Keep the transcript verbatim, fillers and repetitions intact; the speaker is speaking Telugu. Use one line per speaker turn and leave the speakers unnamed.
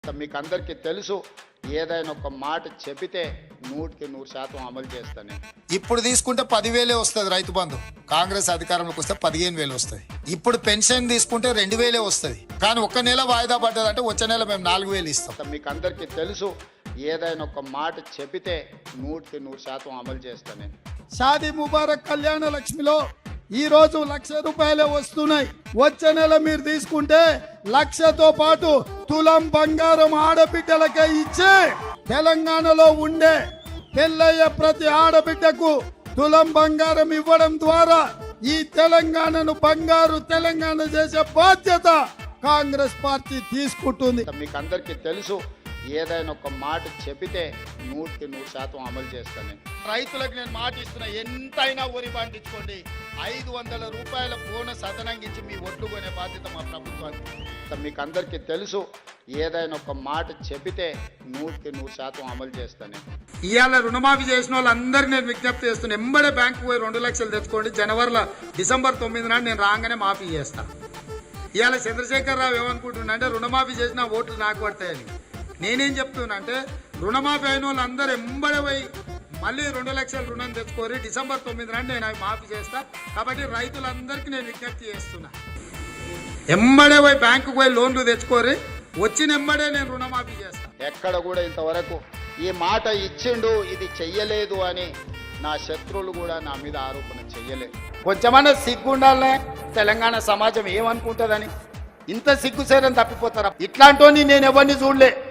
మీకు అందరికీ తెలుసు, ఏదైనా ఒక మాట చెబితే నూటికి నూరు శాతం అమలు చేస్తాను.
ఇప్పుడు తీసుకుంటే పదివేలే వస్తుంది రైతు బంధు, కాంగ్రెస్ అధికారంలోకి వస్తే పదిహేను వేలు వస్తుంది. ఇప్పుడు పెన్షన్ తీసుకుంటే రెండు వేలే వస్తుంది, కానీ ఒక్క నెల వాయిదా పడ్డదంటే వచ్చే నెల మేము నాలుగు వేలు ఇస్తాం.
మీకు అందరికీ తెలుసు, ఏదైనా ఒక మాట చెబితే నూటికి నూరు శాతం అమలు చేస్తాను.
షాదీ ముబారక్ కళ్యాణ లక్ష్మిలో ఈ రోజు లక్ష రూపాయలే వస్తున్నాయి. వచ్చే నెల మీరు తీసుకుంటే లక్షతో పాటు తులం బంగారం ఆడబిడ్డలకే ఇచ్చే తెలంగాణలో ఉండే పెళ్ళయ్యే ప్రతి ఆడబిడ్డకు తులం బంగారం ఇవ్వడం ద్వారా ఈ తెలంగాణను బంగారు తెలంగాణ చేసే బాధ్యత కాంగ్రెస్ పార్టీ తీసుకుంటుంది.
మీకు అందరికీ తెలుసు, ఏదైనా ఒక మాట చెబితే నూటికి నూరు శాతం అమలు చేస్తాను.
రైతులకు నేను మాట ఇస్తున్నా, ఎంతైనా వరి పండించుకోండి, ఐదు వందల రూపాయల బోనస్ అదనంగించి మీ ఒడ్లు కొనే బాధ్యత మా ప్రభుత్వానికి.
మీకు అందరికీ తెలుసు, ఏదైనా ఒక మాట చెబితే నూటికి నూరు శాతం అమలు చేస్తాను.
ఇవాళ రుణమాఫీ చేసిన వాళ్ళందరికీ నేను విజ్ఞప్తి చేస్తున్నా, ఎంబడే బ్యాంకు పోయి రెండు లక్షలు తెచ్చుకోండి. జనవరిలో డిసెంబర్ తొమ్మిది నాడు నేను రాగానే మాఫీ చేస్తాను. ఇవాళ చంద్రశేఖర్ రావు ఏమనుకుంటున్నా అంటే రుణమాఫీ చేసిన ఓట్లు నాకు పడతాయని. నేనేం చెప్తున్నా అంటే రుణమాఫీ అయిన వాళ్ళందరూ ఎంబడే పోయి మళ్ళీ రెండు లక్షల రుణం తెచ్చుకోరి, డిసెంబర్ తొమ్మిది నాడు నేను అవి మాఫీ చేస్తా. కాబట్టి రైతులందరికీ నేను విజ్ఞప్తి చేస్తున్నా, ఎంబడే పోయి బ్యాంకు పోయి లోన్లు తెచ్చుకోరి, వచ్చిన ఎంబడే నేను రుణమాఫీ చేస్తా.
ఎక్కడ కూడా ఇంతవరకు ఈ మాట ఇచ్చిండు, ఇది చెయ్యలేదు అని నా శత్రువులు కూడా నా మీద ఆరోపణ చెయ్యలేదు.
కొంచెమన్నా సిగ్గుండాలనే తెలంగాణ సమాజం ఏమనుకుంటుందని ఇంత సిగ్గుసేరని తప్పిపోతారా? ఇట్లాంటి నేను ఎవరిని చూడలే.